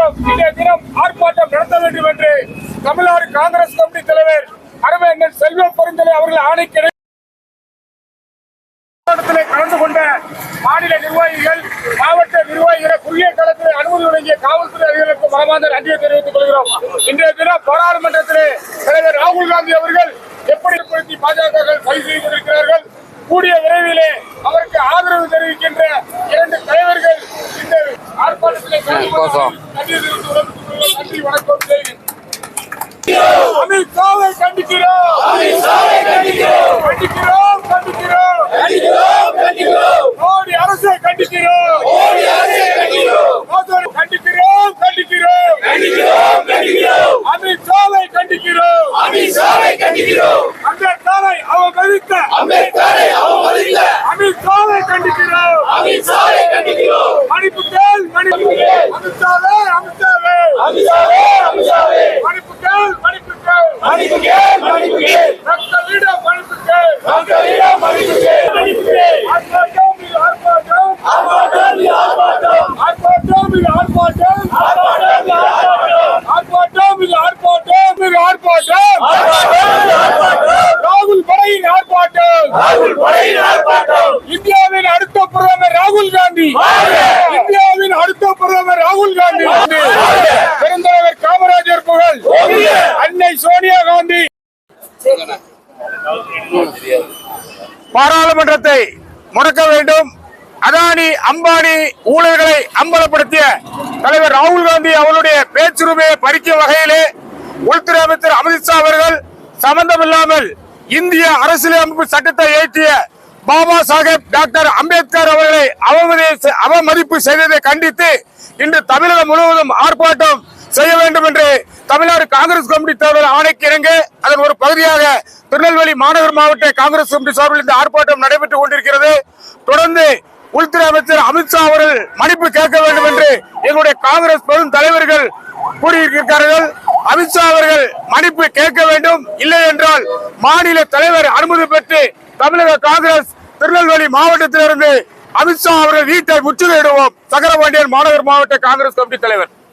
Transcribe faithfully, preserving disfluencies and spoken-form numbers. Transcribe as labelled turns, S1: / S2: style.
S1: கொள்கிறோம். இன்றைய தினம் ஆர்ப்பாட்டம் நடத்த வேண்டும் என்று தமிழ்நாடு காங்கிரஸ் கமிட்டி தலைவர் அருமையண்ணன் செல்வ பெருந்தலை அவர்கள் ஆணைக்கு கலந்து கொண்ட மாநில நிர்வாகிகள், மாவட்ட நிர்வாகிகளை குறுகிய காலத்தில் அனுமதி வழங்கிய காவல்துறை அதிகாரிகளுக்கு மனமார்ந்த நன்றியை தெரிவித்துக் கொள்கிறோம். இன்றைய தினம் பாராளுமன்றத்திலே தலைவர் ராகுல் காந்தி அவர்கள் எப்படி ஏற்படுத்தி பாஜக கைது செய்து கொண்டிருக்கிறார்கள். கூடிய விரைவிலே அவருக்கு ஆதரவு தெரிவிக்கின்ற இரண்டு தலைவர்கள் இந்த ஆர்ப்பாட்டத்திலே நன்றி வணக்கம் செய்கிறேன். அமித்ஷாவை கண்டிக்கிறோம், கண்டிக்கிறோம், கண்டிக்கிறோம், மோடி அரசை கண்டிக்கிறோம், கண்டிக்கிறோம், கண்டிக்கிறோம், அமித்ஷாவை கண்டிக்கிறோம், அம்பேத்கரை அவமதித்த அமித்ஷாவை கண்டிக்கிறோம், மணிப்பு கேள், மணிப்பு கேள், அமித்ஷாவே, அமித்ஷாவே, மணிப்பு கேள், மணிப்பு கேள், மணிப்பு கேள், மணிப்பு கேள், ரத்தவீட மணிப்பு கேள், ரத்தவீட மணிப்பு கேள், மணிப்பு கேள், ஆர்ப்பாட்டம் இது ஆர்ப்பாட்டம், ஆர்ப்பாட்டம் இது ஆர்ப்பாட்டம், ஆர்ப்பாட்டம் இது ஆர்ப்பாட்டம், ஆர்ப்பாட்டம் இது ஆர்ப்பாட்டம், ஆர்ப்பாட்டம் இது ஆர்ப்பாட்டம், இது ஆர்ப்பாட்டம், ஆர்ப்பாட்டம், ராகுல் படையின் ஆர்ப்பாட்டம், ராகுல் படையின் ஆர்ப்பாட்டம், இந்தியாவின் அடுத்த பிரதமர் ராகுல் காந்தி, இந்தியாவின் அடுத்த பிரதமர் ராகுல் காந்தி, பெருந்தலைவர் காமராஜர் புகழ் அன்னை சோனியா காந்தி. பாராளுமன்றத்தை முடக்க வேண்டும். அதானி அம்பானி ஊழல்களை அம்பலப்படுத்திய தலைவர் ராகுல் காந்தி அவருடைய பேச்சுரிமையை பறிக்கும் வகையிலே உள்துறை அமைச்சர் அமித்ஷா அவர்கள் சம்பந்தமில்லாமல் இந்திய அரசியலமைப்பு சட்டத்தை இயற்றிய பாபா சாஹேப் டாக்டர் அம்பேத்கர் அவர்களை அவமதிப்பு செய்ததை கண்டித்து இன்று தமிழகம் முழுவதும் ஆர்ப்பாட்டம் செய்ய வேண்டும் என்று தமிழ்நாடு காங்கிரஸ் கமிட்டி தலைவர் ஆணைக்கு இணங்க அதன் ஒரு பகுதியாக திருநெல்வேலி மாநகர் மாவட்ட காங்கிரஸ் கமிட்டி சார்பில் இந்த ஆர்ப்பாட்டம் நடைபெற்றுக் கொண்டிருக்கிறது. தொடர்ந்து உள்துறை அமைச்சர் அமித்ஷா அவர்கள் மன்னிப்பு கேட்க வேண்டும் என்று எங்களுடைய காங்கிரஸ் பெரும் தலைவர்கள் கூறியிருக்கிறார்கள். அமித்ஷா அவர்கள் மன்னிப்பு கேட்க வேண்டும், இல்லை என்றால் மாநில தலைவர் அனுமதி பெற்று தமிழக காங்கிரஸ் திருநெல்வேலி மாவட்டத்திலிருந்து அமித்ஷா அவர்கள் வீட்டை முற்றுகையிடுவோம். சக்கரபாண்டியன் மாநகர் மாவட்ட காங்கிரஸ் கமிட்டி தலைவர்.